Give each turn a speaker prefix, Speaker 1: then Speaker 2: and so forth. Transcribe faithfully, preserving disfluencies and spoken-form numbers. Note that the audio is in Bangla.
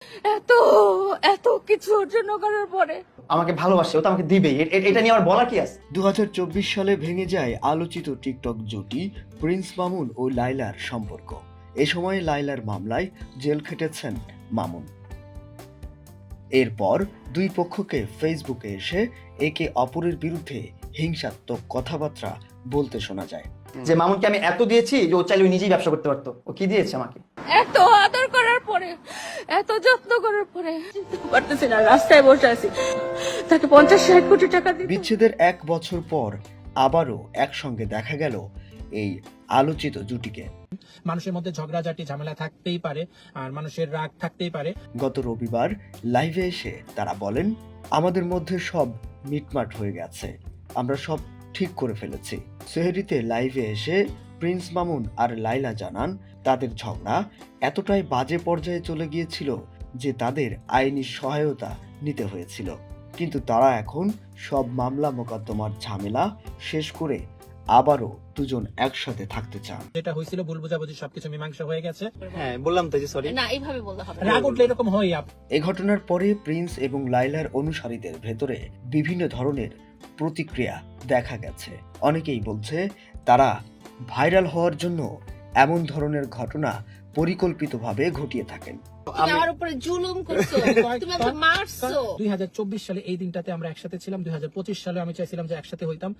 Speaker 1: এত এত কিছু অর্জন করার পরে
Speaker 2: আমাকে ভালোবাসে, ও তো আমাকে দিবেই, এ- এ- এটা নিয়ে আমার বলার কি আছে?
Speaker 3: দু হাজার চব্বিশ সালে ভেঙে যায় আলোচিত টিকটক জুটি প্রিন্স মামুন ও লাইলার সম্পর্ক। এ সময় লাইলার মামলায় জেল খেটেছেন মামুন। এরপর দুই পক্ষকে ফেসবুকে এসে একে অপরের বিরুদ্ধে হিংসাত্মক কথাবার্তা বলতে শোনা যায়।
Speaker 2: যে মামুনকে আমি এত দিয়েছি যে ও চাইলে ও নিজেই ব্যবসা করতে পারতো, ও কি দিয়েছে আমাকে?
Speaker 1: এত আদর করার পরে এত যত্ন করার পরে চিনতে পারতেছি না, রাস্তায় বসে আছি, তাকে পঞ্চাশ ষাট কোটি টাকা দিতে।
Speaker 3: বিচ্ছেদের এক বছর পর আবারও একসঙ্গে দেখা গেল এই আলোচিত জুটিকে।
Speaker 4: মানুষের মধ্যে ঝগড়াঝাটি ঝামেলা থাকতেই পারে, আর মানুষের রাগ থাকতেই পারে।
Speaker 3: গত রবিবার লাইভে এসে তারা বলেন, আমাদের মধ্যে সব মিটমাট হয়ে গেছে, আমরা সব ঠিক করে ফেলেছি। সেহরিতে লাইভে এসে প্রিন্স মামুন আর লাইলা জানান তাদের ঝগড়া এতটাই বাজে পর্যায়ে চলে গিয়েছিল যে তাদের আইনি সহায়তা নিতে হয়েছিল, কিন্তু তারা এখন সব মামলা মোকদ্দমার ঝামেলা শেষ করে আবারও দুজন একসাথে থাকতে চান।
Speaker 4: যেটা হয়েছিল ভুল বোঝাবুঝি সবকিছু মীমাংসা হয়ে গেছে।
Speaker 2: হ্যাঁ বললাম তো, যে সরি।
Speaker 1: না, এইভাবে বলতে হবে না।
Speaker 4: রাগ উঠলে এরকম হয়।
Speaker 3: এ ঘটনার পরে প্রিন্স এবং লাইলার অনুসারীদের ভেতরে বিভিন্ন ধরনের প্রতিক্রিয়া দেখা গেছে। অনেকেই বলছে তারা ভাইরাল হওয়ার জন্য এমন ধরনের ঘটনা পরিকল্পিতভাবে ঘটিয়ে থাকেন।
Speaker 1: তুমি আমার উপরে জুলুম করছো, তুমি আমাকে মারছো।
Speaker 4: দুই হাজার চব্বিশ সালে এই দিনটাতে আমরা একসাথে ছিলাম, দুই হাজার পঁচিশ সালে আমি চাইছিলাম যে একসাথে হইতাম।